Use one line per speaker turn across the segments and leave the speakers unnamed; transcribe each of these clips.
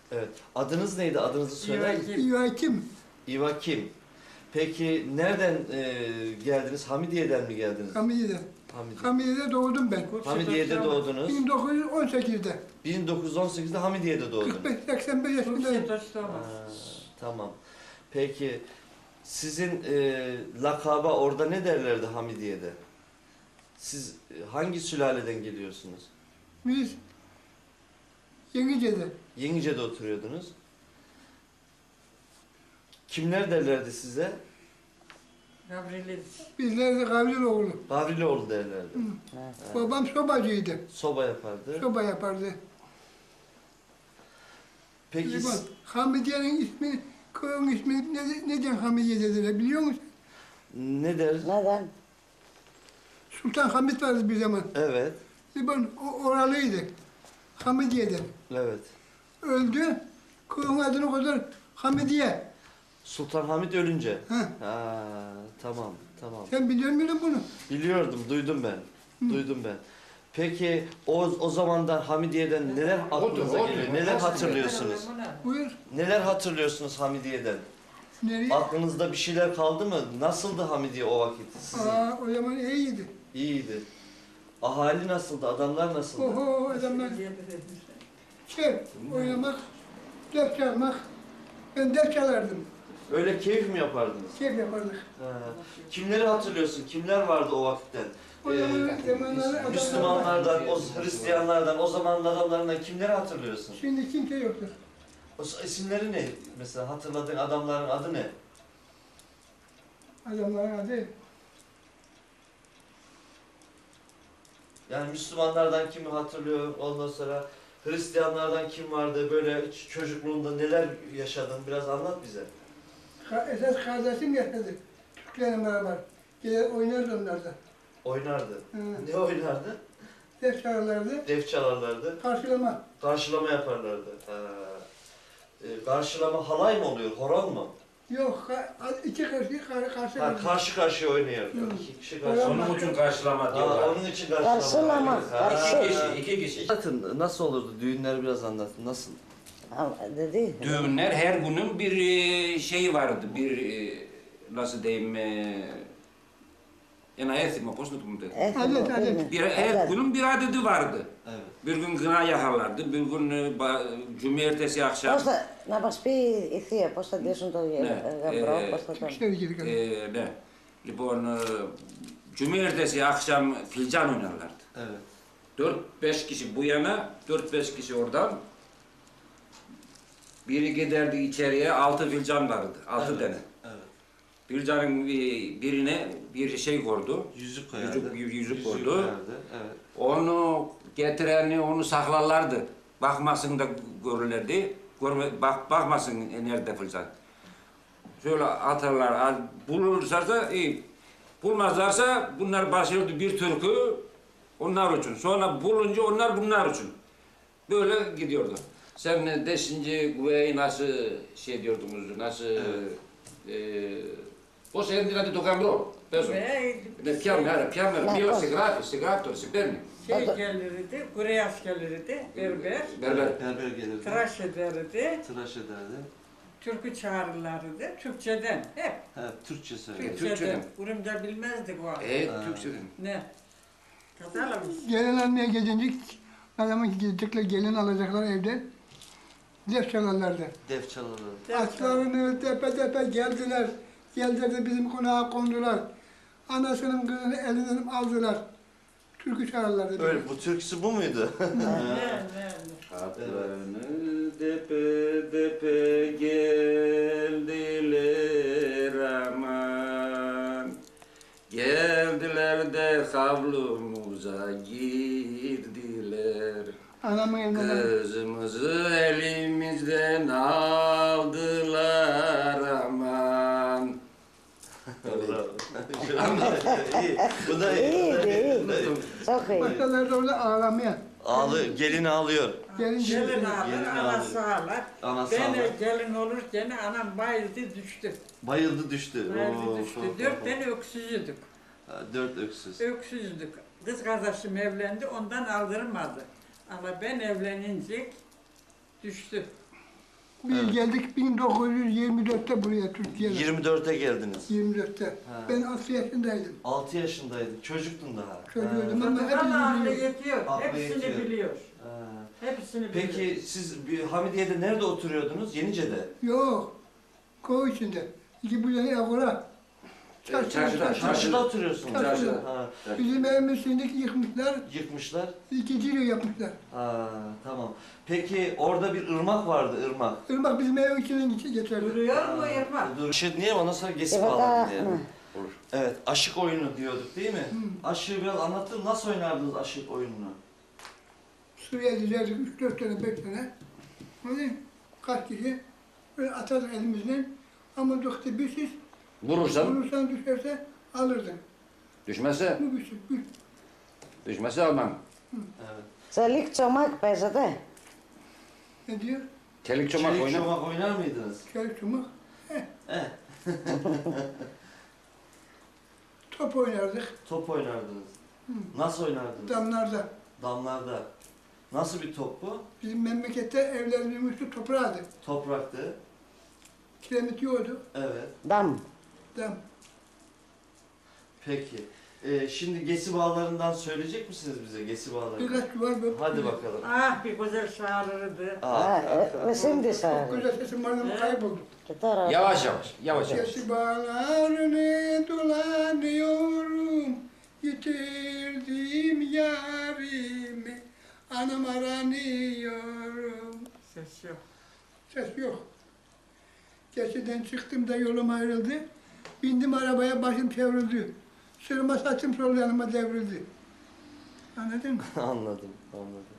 Evet. Adınız neydi? Adınızı söyler misiniz?
İvakim.
İvakim. Peki nereden geldiniz? Hamidiye'den mi geldiniz?
Hamidiye'de.
Hamidiye.
Hamidiye'de doğdum ben.
Hamidiye'de doğdunuz.
1918'de.
1918'de Hamidiye'de doğdunuz.
45-85 yaşındayım.
Tamam. Peki sizin lakaba orada ne derlerdi Hamidiye'de? Siz hangi sülaleden geliyorsunuz?
Biz Yenice'de.
Yenice'de oturuyordunuz. Kimler derlerdi size?
Bizler de Gavriloğlu.
Gavriloğlu derlerdi.
Babam sobacıydı.
Soba yapardı.
Soba yapardı.
Peki
Bak, Hamidiye'nin ismi, köyün ismi neden Hamidiye dediler biliyor musun?
ne der?
Neden?
Sultan Hamid vardı bir zaman.
Evet.
Ben oralıydı. Hamidiye'den.
Evet.
Öldü. Köyün adını koydular Hamidiye.
Sultan Hamid ölünce.
Ha.
Ha, tamam, tamam.
Sen biliyor muydun bunu?
Biliyordum, duydum ben. Duydum ben. Peki o zamandan Hamidiye'den neler aklınıza geliyor? Neler hatırlıyorsunuz?
Buyur.
Neler hatırlıyorsunuz Hamidiye'den?
Nereye?
Aklınızda bir şeyler kaldı mı? Nasıldı Hamidiye o vakit? Sizin?
O zaman iyiydi.
İyiydi. Ahali nasıldı? Adamlar nasıldı?
Oho adamlar oynamak, ders çalmak. Ben ders çalardım.
Öyle keyif mi yapardınız?
Keyif yapardık.
Ha. Kimleri hatırlıyorsun? Kimler vardı o vakitten?
O zamanlar
Müslümanlardan, o Hristiyanlardan, o zamanın adamlarından kimleri hatırlıyorsun?
Şimdi kimse yoktur.
O isimleri ne? Mesela hatırladığın adamların adı ne?
Adamların adı.
Yani Müslümanlardan kimi hatırlıyor? Ondan sonra Hristiyanlardan kim vardı? Böyle çocukluğunda neler yaşadın? Biraz anlat bize.
Esas kardeşim yaşadı. Türklerle beraber. Gelir oynardı onlar da.
Oynardı.
Hı.
Ne oynardı?
Ders çalarlardı.
Def çalarlardı.
Karşılama.
Karşılama yaparlardı. Ha. Karşılama halay mı oluyor? Horon mu?
Yok, iki karşı
Ha, karşı karşıya oynuyordu.
Hı.
İki kişi karşı.
Onun için karşılama
Ha,
diyorlar.
onun için karşılama.
Karşılama,
Ha.
karşı-
İki kişi.
Anlatın, nasıl olurdu? Düğünleri biraz anlatın. Nasıl?
Ama dedi.
Düğünler her günün bir şeyi vardı. Bir nasıl diyeyim ένα έθιμο, πώς να το πούμε.
Adet, adet.
Her günün bir adedi vardı.
Evet.
Bir gün kına yakarlardı, bir gün cumartesi akşam.
Πώς θα, να μας πει η θεία πώς θα ντύσουν το γαμπρό, πώς θα τον...
Türkler girdik.
Ne? Λοιπόν, cumartesi akşam filcan oynarlardı.
Evet.
4-5 kişi bu yana, 4-5 kişi oradan. Biri giderdi içeriye, 6 filcan vardı, 6
Evet.
tane.
Evet.
Filcanın birine bir şey koydu,
Yüzük koyardı.
yüzük koydu.
koyardı. Evet.
Onu getireni onu saklarlardı. Bakmasın da görürlerdi. Bakmasın nerede filcan. Şöyle atarlar, bulurlarsa da iyi. Bulmazlarsa bunlar başlıyordu bir türkü onlar için. Sonra bulunca onlar bunlar için. Böyle gidiyordu. Sen de şimdi güveyi nasıl şey diyordunuz, nasıl... Πώς έντυνατε το γαμπρό, παίζω. Πιάμε, στη γράφτο, στη παίρνει.
Şey gelirdi, Kore askerleriydi, berber,
Berber.
Berber gelirdi.
tıraş ederdi,
Tıraş ederdi.
türkü çağırırlardı, Türkçeden, hep
Türkçe söyledi.
Türkçeden. Urumca bilmezdik o.
Türkçeden.
Ne? Kazalamış.
Gelin almaya gelince adamın gidecekler, gelin alacaklar evden. Ders çalarlardı.
Def çalardı.
Atlarını tepe tepe geldiler. Geldiler de bizim konağa kondular. Anasının kızını elinden aldılar. Türkü çalarlardı.
Öyle, bu türküsü bu muydu?
Ne?
Atlarını depe depe geldiler aman. Geldiler de havlumuza girdiler.
Anamın elinden
Kızımızı elimizden aldılar aman.
Bravo. İyi. Bu da iyi.
İyiydi,
Bu da iyi.
iyi. Çok iyi.
başladılar da orada ağlamaya.
Gelin ağlıyor.
Gelince
Gelin ağlar,
Gelin
anası ağlar.
Anası
Ben
ağlar.
gelin olurken anam bayıldı düştü.
Bayıldı düştü.
Bayıldı düştü. 4 tane öksüzüdük.
4 öksüz.
Öksüzdük. Kız kardeşim evlendi, ondan aldırmadı. Ama ben evlenince düştü.
Biz geldik 1924'te buraya Türkiye'de.
24'e geldiniz.
24'te.
Ha.
Ben 6 yaşındaydım.
6 yaşındaydın. Çocuktun daha.
Çocuğuydum ama
Ama aklı
hepimiz
yetiyor.
Aklı
Hepsini
yetiyor.
biliyor.
Ha.
Hepsini biliyor.
Peki siz Hamidiye'de nerede oturuyordunuz? Yenice'de.
yok. Koy içinde. İki bu yana avura.
Çarşıda oturuyorsunuz.
Çarşıda.
Ha.
Bizim evimiz şimdi yıkmışlar.
Yıkmışlar.
İkinci yıl yapmışlar.
Ha, tamam. Peki orada bir ırmak vardı, ırmak.
Irmak bizim ev içinden geçerdi.
Duruyor mu Irmak?
Dur. Niye ondan sonra geçip
Evet,
bağladım diye.
hı.
Olur. Evet, aşık oyunu diyorduk değil mi? Aşığı biraz anlattın. Nasıl oynardınız aşık oyununu?
Suriye dizerdik 3-4 tane 5 tane. Hani kaç kişi böyle atardık elimizden. Ama doktor bir siz vurursan düşerse alırdın.
Düşmezse,
Bu bir şey.
düşmezse almam.
Evet.
Çelik çomak παίζετε.
Ne diyor?
Çelik çomak
Çelik
oynar.
çomak oynar mıydınız?
Çelik çomak.
Eh,
Top oynardık
top oynardınız. Nasıl oynardınız?
damlarda.
Damlarda. Nasıl bir top bu?
Bizim memlekette evlerimizin üstü toprağıydı.
Topraktı.
Kiremit yoktu.
Evet.
Dam.
Dam.
Peki. Şimdi Gesi Bağları'ndan söyleyecek misiniz bize Gesi Bağları?
Birkaç duvar böyle.
Hadi bakalım.
Ah bir güzel şarırdı.
Α, με şimdi
Çok
sarı.
güzel sesim vardı ama kayboldu.
Και τώρα.
Yavaş yavaş, yavaş yavaş.
Gesi bağlarını dolanıyorum. Yitirdim yarimi. Anam aranıyorum.
Ses yok.
Ses yok. Geçiden çıktım da yolum ayrıldı. Bindim arabaya, başım çevrildi. Sırma saçım sol yanıma devrildi. Anladın mı?
Anladım, anladım.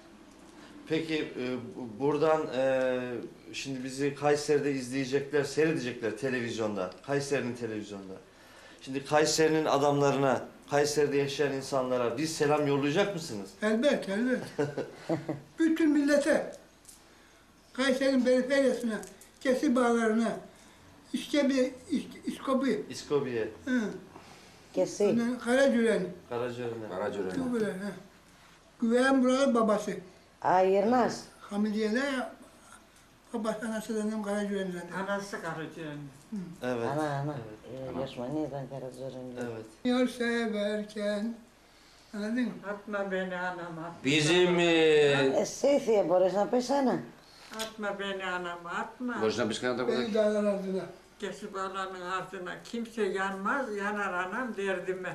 Peki buradan şimdi bizi Kayseri'de izleyecekler, seyredecekler televizyonda, Kayseri'nin televizyonda. Şimdi Kayseri'nin adamlarına, Kayseri'de yaşayan insanlara bir selam yollayacak mısınız?
Elbet, elbet. Bütün millete, Kayseri'nin periferyasına, Kesi bağlarına, İskobi,
İskobiye,
Και εσύ.
Karacüren,
Karacören'e.
Karacören'e.
çok böyle. Güven buralı babası.
Α, γυρνάς.
Hamidiye'de babası anası dedim Karacüren'den.
Anası karıcığın.
Evet.
Ανά, ανά.
Evet.
Η Γιωσμανή ήταν καρατζορενή.
Evet.
Yar severken, anladın mı?
Atma beni anam atma.
Bizim
Εσύ θεία μπορείς να πεις ένα.
Atma beni anam atma.
boşuna biz kanada
Beni dağlar ardına.
Kesip alanın ardına kimse yanmaz, yanar anam derdime.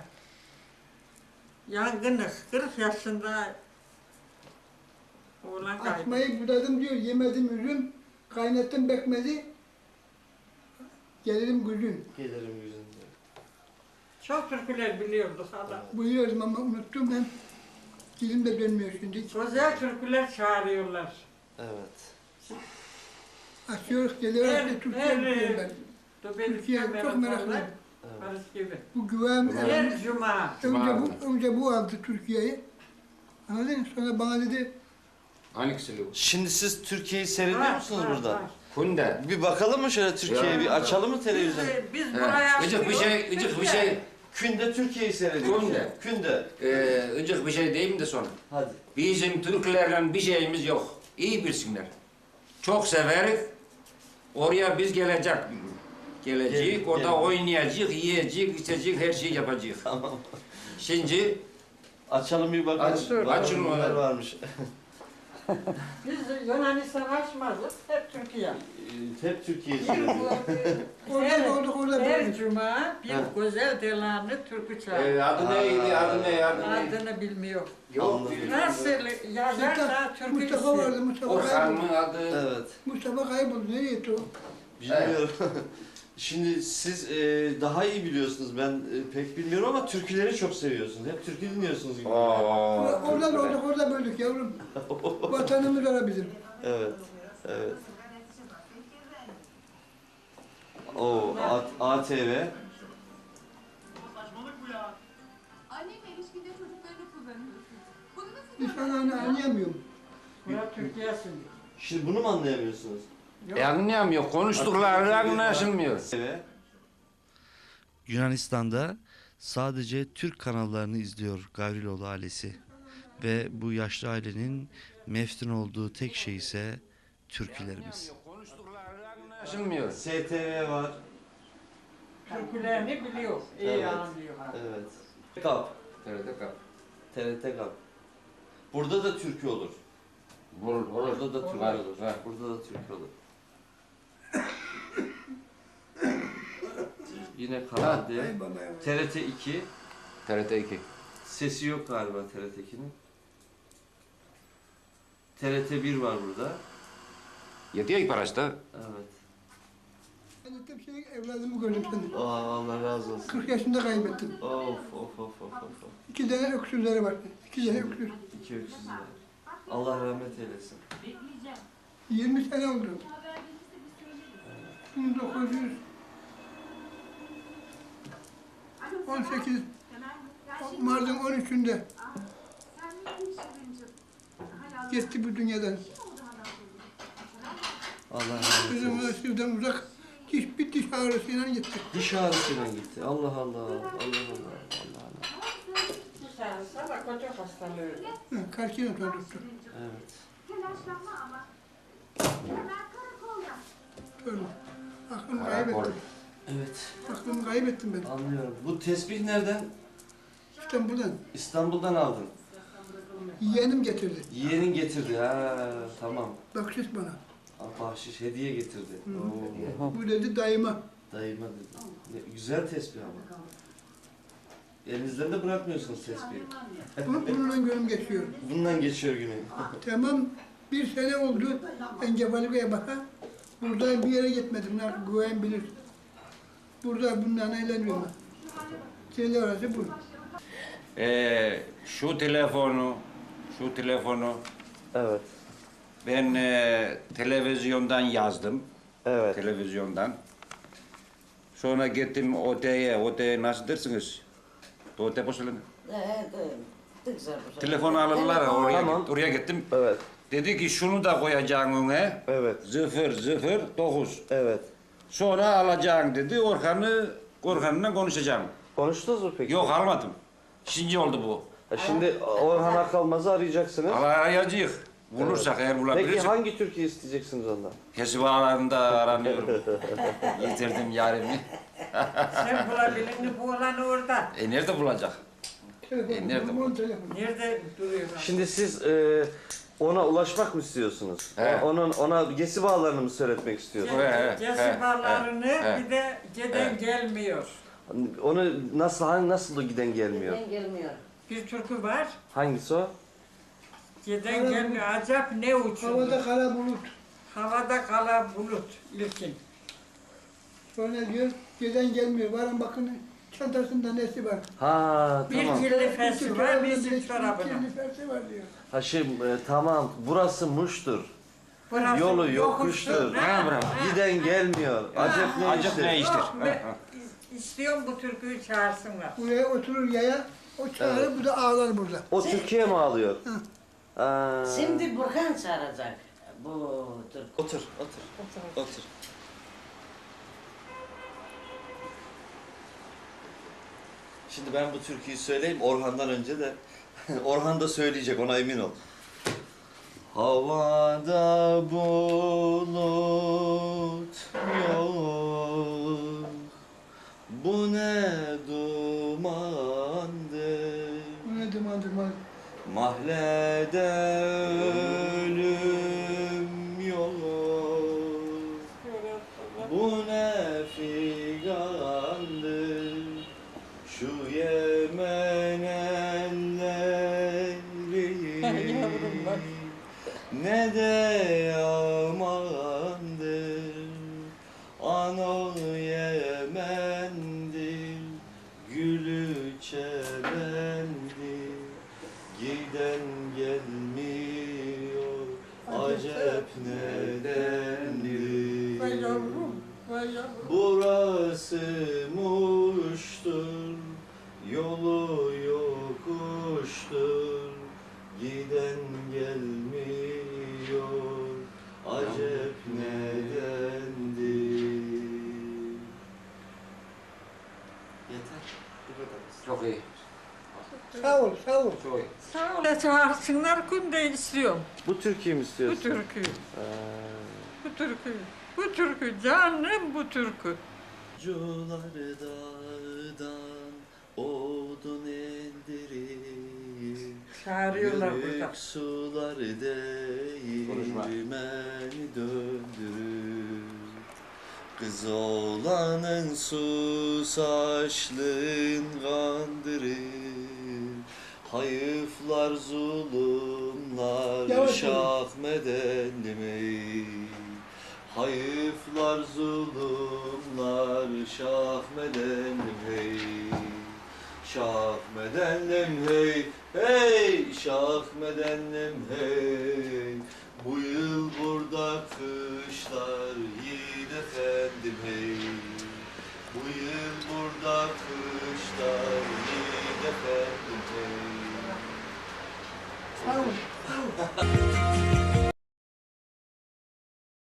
Yangınız, 40 yaşında oğlan kaydı.
Asmayı budadım diyor, yemedim üzüm, kaynattım bekmezi, gelirim güzün.
Gelirim yüzünde.
Çok türküler biliyorduk hala.
Buyuruyordum ama unuttum ben. Dilim de dönmüyor şimdi.
Güzel türküler çağırıyorlar.
Evet.
Açıyoruz, geliyoruz,
Her-
Türkiye
her-
diyorum ben. Türkiye çok meraklıyım.
Barış gibi.
Bu güven,
Her cuma.
önce bu aldı Türkiye'yi. Anladın mı? Sonra bana dedi,
hangisi bu?
Şimdi siz Türkiye'yi seyrediyor
Var,
musunuz
var,
buradan?
var.
Kunde.
Bir bakalım mı şöyle Türkiye'ye,
Ya.
bir açalım mı televizyonu?
Biz buraya
Gıcık bir şey, gıcık bir şey.
Künde Türkiye'yi seyrediyoruz.
Kunde.
Künde.
Gıcık bir şey diyeyim de sonra.
Hadi.
Bizim Türklerle bir şeyimiz yok. İyi bilsinler. Çok severiz. Oraya biz geleceğiz.
Gel-
Orada
gel.
oynayacağız, yiyeceğiz, içeceğiz, her şeyi yapacağız.
Tamam.
Şimdi
Açalım bir bakalım.
Aç,
Bakalım
açın
neler
onu.
varmış.
Biz Yunanistan açmazdık. Hep Türkiye.
Hep Türkiye'yi seyrediyoruz.
orada olduk, orada
Her
böyle.
cuma bir
Ha.
güzel delanı türkü çağırıyor.
adı neydi, adı ne, adı ne?
Adını bilmiyor.
Yok.
Anladım.
Nasıl yazarsa türkü
Mustafa
istiyor.
vardı, Mustafa
Orhan
kayboldu.
mı adı?
Evet.
Mustafa kayboldu, nereye gitti o?
Bilmiyorum. Şimdi siz daha iyi biliyorsunuz. Ben pek bilmiyorum ama türküleri çok seviyorsunuz. Hep türkü dinliyorsunuz gibi.
Orada olduk, orada böldük yavrum. Vatanımız ara bizim.
Evet. Evet. O ATV.
Annemle ilişkide çocuklarını kullanıyorsun. Bunu nasıl
Biz anlayamıyorum.
Burası Türkiye'sin.
Şimdi bunu mu anlayamıyorsunuz?
Anlayamıyor, konuştukları anlaşılmıyor.
ATV.
Yunanistan'da sadece Türk kanallarını izliyor Gavriloğlu ailesi ve bu yaşlı ailenin meftun olduğu tek şey ise türkülerimiz.
Konuştukları anlaşılmıyor.
STV var.
Türkülerini biliyor, iyi
Evet.
anlıyor.
Evet. Kap.
TRT kap.
TRT Kap. Burada da türkü olur.
Olur.
Burada da türkü
Var,
olur.
var.
Burada da türkü olur. Yine Kanal D.
Ay baba ya.
TRT 2.
TRT 2.
Sesi yok galiba TRT 2'nin. TRT 1 var burada.
Yetiyor ilk paraçta.
Evet.
Ben de şey evladımı gördüm seni.
Aa, Allah razı olsun.
40 yaşında kaybettim.
Of of of of of.
2 tane öksüzleri var. 2 tane öksüz.
2 öksüzler. Allah rahmet eylesin.
20 sene oldu. 1918 Mart'ın 13'ünde gitti bu dünyadan.
Allah rahmet
Kızım
eylesin.
da sizden uzak bir diş ağrısıyla gitti.
Diş ağrısıyla gitti. Allah Allah. Allah Allah. Allah Allah.
Dışarısı da koca hastalığı.
Karşıyla tuttu.
Evet.
Telaşlanma ama. Hemen karakolda.
Öyle. Aklımı kaybettim.
Evet.
Aklımı kaybettim ben.
Anlıyorum. Bu tesbih nereden?
İstanbul'dan.
İstanbul'dan aldın.
Yeğenim getirdi.
Yeğenin getirdi. Ha, tamam.
Bakşiş bana.
Bahşiş hediye getirdi. Oo.
Bu dedi dayıma.
Dayıma dedi. Güzel tesbih ama. Elinizden de bırakmıyorsunuz tesbihi.
Bununla gönlüm geçiyor.
Bundan geçiyor günü.
Tamam, bir sene oldu. Encefalika'ya baka. Burada bir yere gitmedim. Güven bilir. Burada bundan eğleniyorum. Şeyler orası bu.
Şu telefonu
Evet.
ben televizyondan yazdım.
Evet.
Televizyondan. Sonra gittim OT'ye nasıl dersiniz? OT poşalını.
Δεν ξέρω πώς.
Telefonu alırlar oraya,
Tamam.
oraya gittim.
Evet.
Dedi ki şunu da koyacaksın öne.
Evet.
009.
Evet.
Sonra alacaksın dedi. Orhan'la konuşacağım.
Konuştunuz mu peki?
Yok almadım. İkinci oldu bu.
Şimdi Orhan Akalmaz'ı arayacaksınız.
Arayacağız. Bulursak eğer
Peki
bulabilirsek.
hangi türküyü isteyeceksiniz ondan?
Kesip ağlarında aranıyorum. Yitirdim yarimi.
Sen bulabilirsin, bu olan orada.
Nerede bulacak?
Telefon,
nerede bu?
telefon.
Nerede duruyor?
Şimdi siz ona ulaşmak mı istiyorsunuz?
He.
Ona gesi bağlarını mı söyletmek istiyorsunuz?
Cesibalarını
he.
bir de giden gelmiyor.
Onu nasıl giden gelmiyor?
Δεν gelmiyor.
Bir türkü var,
Hangisi o?
giden gelmiyor. Acap ne uçuyor?
Havada kara bulut.
Havada kala bulut ilkin.
Sonra diyor, gelen gelmiyor. Varın bakın çantasında nesi var.
Ha
Bir
tamam.
kirli fesi var, bir
Bir
çorabına.
kirli fersi var diyor.
Ha tamam. Burası Muş'tur.
Burası
Yolu yokuştur.
Ha, bravo.
Giden gelmiyor. Acep ne
Acep ne
iştir?
iştir?
Yok, istiyorum bu türküyü çağırsınlar.
Buraya oturur yaya, o çağırır, bu da ağlar burada.
O Türkiye mi ağlıyor? Ha.
Şimdi Burhan çağıracak bu Türk.
Otur. Şimdi ben bu türküyü söyleyeyim Orhan'dan önce de. Orhan da söyleyecek, ona emin ol. Havada bulut yok, bu ne dumandır.
Bu ne duman duman.
Mahallede ölüm yok, bu ne figandır. Şu Yemen elleri ne de yamandır. Ano Yemen'dir, gülü çemendir. Giden gelmiyor, acep nedendir.
Vay yavrum, vay yavrum.
Burası Muş'tur, yolu yokuştur. Giden gelmiyor, acep nedendir. Yeter, bu kadar.
Çok iyi.
Sağ ol, sağ ol.
Çok iyi.
Sağ ol, çağırsınlar, günde istiyorum
Bu türküyü mü
bu
istiyorsun?
türküyü. Bu türkü. Bu türkü canım bu türkü.
Cuları dağdan odun eldirir.
Çağırıyorlar burada.
Yörük sular
Konuşma.
değirmeni döndürür. Kız oğlanın susaşlığın kandırır. Hayıflar zulümler
Yavaş
şahmedenli mi? Hayıflar zulümler şahmedenlim hey. Şahmedenlim hey, hey şahmedenlim hey. Bu yıl burada kışlar yiğit efendim hey. Bu yıl burada kışlar yiğit efendim hey.
Sağ olun.